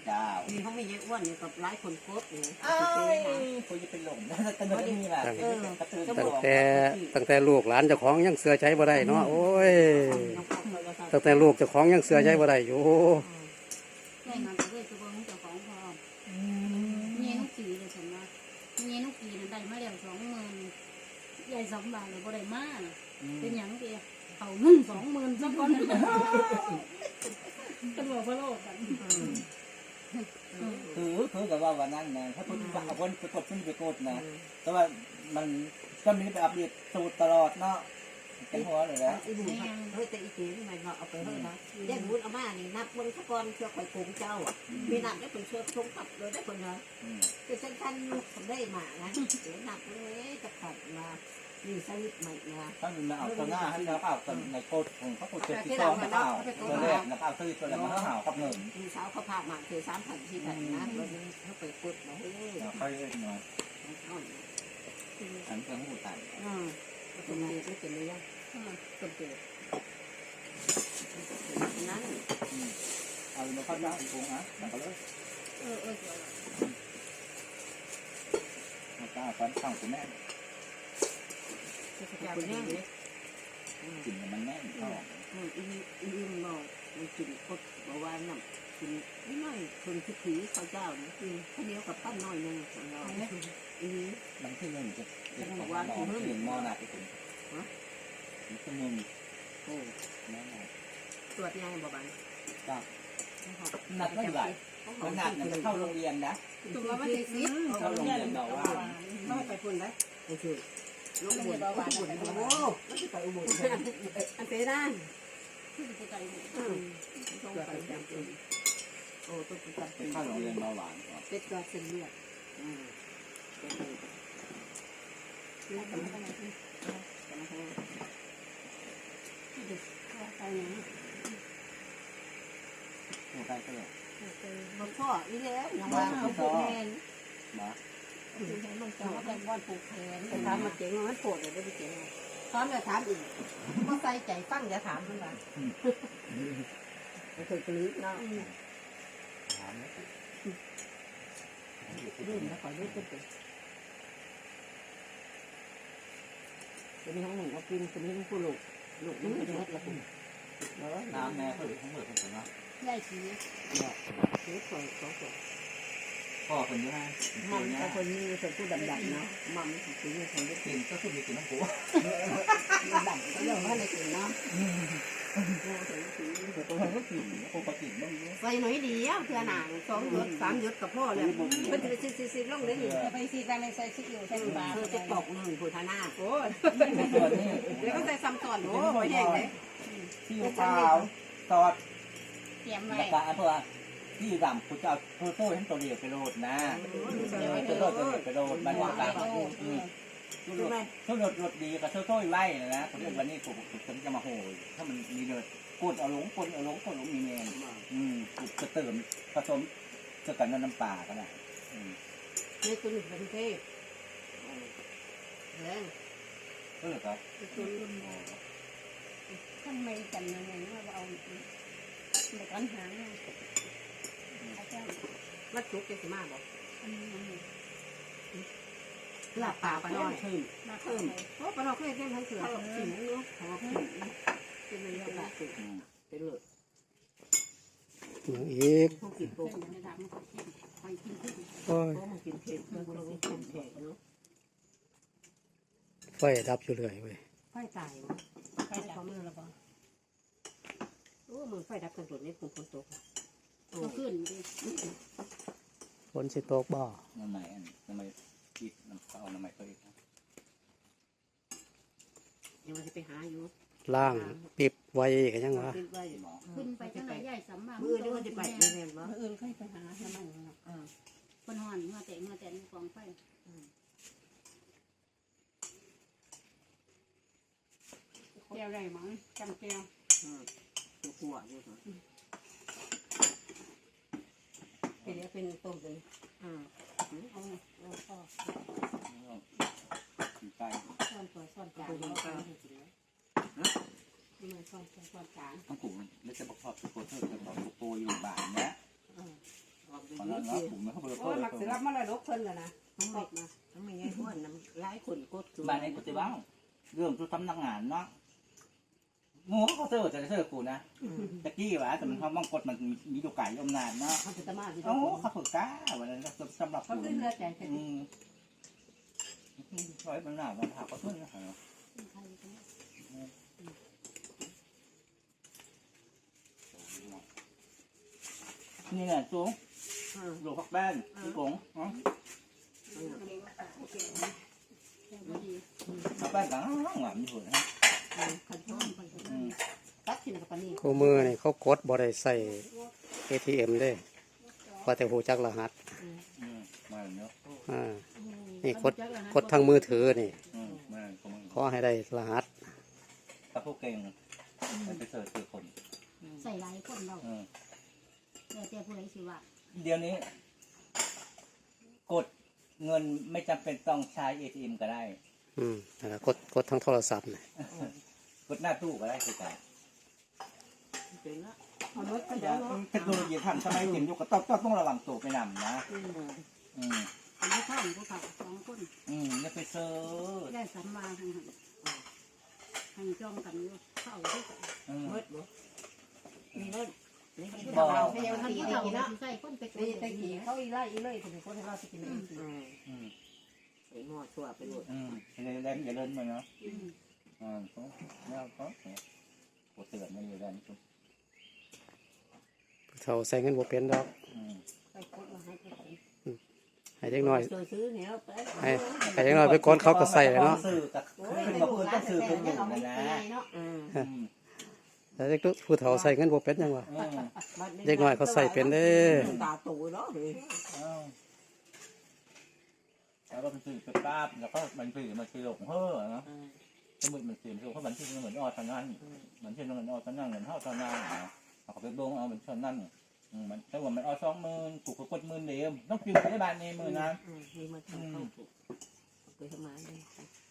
เจ้ามีเขาไม่เยอะอ้วนเนี่ยกับหลายคนโคตรเลยคนจะเป็นหลงนะแต่ไม่มีแบบตั้งแต่ลูกหลานเจ้าของยังเสือใช้บ่ได้เนาะโอ้ยตั้งแต่ลูกเจ้าของยังเสือใช้บ่ได้อยู่ใช่มันเลยตัวของเจ้าของพอเงี้ยนุกีเลยฉันว่าเงี้ยนุกีนั่นได้มาแล้ว20,000ใหญ่2 บาทเลยบ่ได้มาเป็นหยังเดียวเอาเงิน20,000สักคนกันบอกพะโลกกันคือกับว่าวันนั้นนะถ้าคนเอาคนไปกดไปกดนะแต่ว่ามันก็มีไปอัปเดตสูตรตลอดเนาะเป็นหัวเลยนะไอ้บุญเฮ้ยแต่อีเก๋นี่มันเอาไปเฮ้ยนะแยกบุญเอามานี่นับเบิ้งสักก้อนเชื่อข่อยโกงเจ้ามีนับได้เป็นเชื่อทงกับเลยได้คนนะคือฉันท่านทำได้มานะเดี๋ยวนับเลยจะขัดมามีสวิตใหม่นะถ้ามันเอาตัวหน้าให้เราเอาตัวในโคตรของเขาโคตรที่สองเขาตัวแรกนะเอาตัวตัวแรกมาเขากับหนึ่งมีสาวเขาพามาคือ3,000 4,000นะแล้วนี่เขาไปกดมาเฮ้ยเขาเยอะหน่อยฉันจะหูตันเป็นเด็กไม่เป็นเลยเป็นเด็กนั้นเอามาเข้าย่างอีกองนะแต่ก็เลยมาตาฟันข้างคุณแม่คุณแม่กินมันแน่นท้องอิ่มหน่อยมันกินกดเบาหวานน้ำกินนิดหน่อยคนที่ผีข้าวเจ้านี่คือข้าวเหนียวกับปั้นน้อยนึงของเราบางที่มันจะเป็นของว่าของเห็นมอนาที่คุณนี่คือมึงโอ้แม่ตรวจงานบ่บันจ้าหนักไม่ไหวมันหนักจะเข้าโรงเรียนนะตัวมันจะซิดเข้าโรงเรียนเราว่าต้องไปปุ่นได้ไปช่วยลูกบุญไปบุญโอ้แล้วจะไปอุโมงค์อันเตด้านต้องไปจำเป็นโอ้ต้องไปจำเป็นเข้าโรงเรียนเบาหวานเป็ดก็เส้นเลือดแล้วก็ไม่ต้องไปใกล้ก็เลยมันพ่ออีแล้วยังว่าเขาปลูกแทนมามันจะมาเป็นวันปลูกแทนแต่ถามมาเจ๋งมันปวดเลยไม่เจ๋งถามจะถามอีกก็ใส่ใจฟังจะถามมันว่ามันเคยกลืนเนาะถามแล้วรุ่นแล้วขอรุ่นเป็นจะมีห้องหนึ่งเอากินจะมีห้องผู้ลูกมันจะมัดละคุณน้ำแม่เขาหรือเขาเหมือนกันนะใหญ่สีเฮ้ยสวยสวยพ่อคนนี้ฮะมันแต่คนนี้เป็นผู้ดำๆเนาะมันสีนี้คนที่กินก็คือมีกินน้ำปูดำก็เรื่องว่าในกินเนาะตัวมันก็กินปกติบ้างใส่หน่อยเดียวเพื่อหนัง2 หยด 3 หยดกับพ่อเลยมันจะซีลงได้อยู่ไปซีแดงในใส่ซีอิ๊วใส่ปลาจะตก1ผู้ทานาโอ้แล้วก็ใส่ซ้ำตอนโอ้ยแดงเลยที่เปล่าตอดเตรียมไว้แล้วก็เพื่อที่ดำคุณจะเอาโต้ให้ตัวเดียวไปโรดนะจะโรดตัวเดียวไปโรดมันว่าการถ้ารถดีก็โต้ไว้นะคนที่วันนี้ผมจะมาโหยถ้ามันมีเดือดกดเอาลงกดมีเงินจะเติมผสมจะกันน้ำปลาก็ได้นี่คุณเป็นเทพแรงก็เลยครับทำไมกันยังไงว่าเอาเด็กอันหางมัดจุกจะสิมาบอกลาบป่าปลาน้อยเพราะปลาน้อยเคยเล่นทั้งเสือสิงเนาะของผิวเป็นเรื่องละสุดเป็นเลือดอีกโอ้ยกินเผ็ดมันก็กินเผ็ดเนาะไฟดับอยู่เลยเว้ยไฟตายมั้ยไฟดับมือแล้วป่ะโอ้มือไฟดับกันตัวนี้ฝนตกขึ้นฝนสิตกบ่น้ำไหนคิดน้ำเขาน้ำไหนเขาอีกยังจะไปหาอยู่ล่างปิบไว้กันยังวะขึ้นไปจังไหนใหญ่สำมามือนี่มันจะไปเรียนวะมือค่อยไปหาทำไมคนห่อนมาแต่กองไฟแก้วได้มั้งจำแก้วหัวอยู่เป็นต้มเลยเอาพ่อไก่ซ่อนจานแล้วก็ไม่ซ่อนจานต้องกุ่มแล้วจะประกอบโปรเทอร์จะบอกโปรอยู่บ้านนะมมันเนาะผมไม่เข้าไปโอ้ยมักสิรับมาละลกเพิ่นแล้วนะทั้งหมดมาทั้งไม่ใช่ห้วนน้ำหลายคนกดบ้านในกุฏิบ้างเรื่องตัวสำนักงานเนาะงูเขาเสิร์ฟจะเสิร์ฟกูนะตะกี้วะแต่มันเขาบังกดมันมีตัวไก่อมนานเนาะเขาจะมาที่โอ้เขาฝึกก้าวันนั้นสำหรับเขากูขึ้นเรือใจกันร้อยมันหนามันผ่าเขาขึ้นนะนี่แหละจุ๊งหลวงพักแป้นกงพักแป้นต่างหลังอยู่นะขันช้อนตัดชิ้นกับปนี่คู่มือนี่เขากดบ่ได้ใส่ ATM เด้ว่าแต่หูจักรหัสมาเนาะนี่กดทางมือถือนี่มาขอให้ได้รหัสถ้าพวกเก่งไปเสิร์ฟคือคนใส่หลายคนเราแต่ผู้ใดสิว่าเดี๋ยวนี้ กดเงินไม่จำเป็นต้องใช้ ATM ก็ได้กดทางโทรศัพท์นี่กดหน้าตู้ก็ได้คือกันเป็นละเอารถก็เดี๋ยวเทคโนโลยีทันสมัยเต็มยุคก็ต้องระวังตัวไปนำนะอันนี้ข้าวผู้เขา2คนอย่าไปเซิร์ชได้สัมมาทั้งนั้นให้จ้องกันอยู่เข้าด้วยกันเมื่อบ่มีรถนี่เราให้ยังท่านตีผู้ได้เฒ่ากินเนาะใส่คนไปกนี่ดตะกี้เขาอีไล่อีเลยถึงคนให้เราสิกินเองไอ้หม้อชั่วไปหมดแรงอย่าเล่นมาเนาะแล้วก็กดเตือนมันอยู่ด้านนี้เขาใส่เงินบ่เป็นดอกไปกดมาให้ไปให้เด็กน้อยซื้อเนี่ยไปให้เด็กน้อยไปกดเขาก็ใส่เลยเนาะสื่อกับขึ้นมาพูดต้องสื่อเป็นหนึ่งนะนะแต่เด็กผู้เฒ่าใส่เงินบ่เป็นยังวะเด็กน้อยเขาใส่เป็นเด้ตาตูเนาะเลยแล้วก็เป็นสื่อเป็นป้าแล้วก็มันสื่อมันสื่อหลงเฮ้อเนาะสมุดมันสื่อเพราะมันสื่อเหมือนออตอนนั้นมันสื่อเหมือนออตอนนั้นเหมือนเท่าตอนนั้นเขาไปบงเอาเหมือนตอนนั้นมันถ้าว่ามันออ20,000กูก็กด10,000เดียวต้องพิมพ์ในบ้านในมือนะมีมาทำเข้าไปทำไม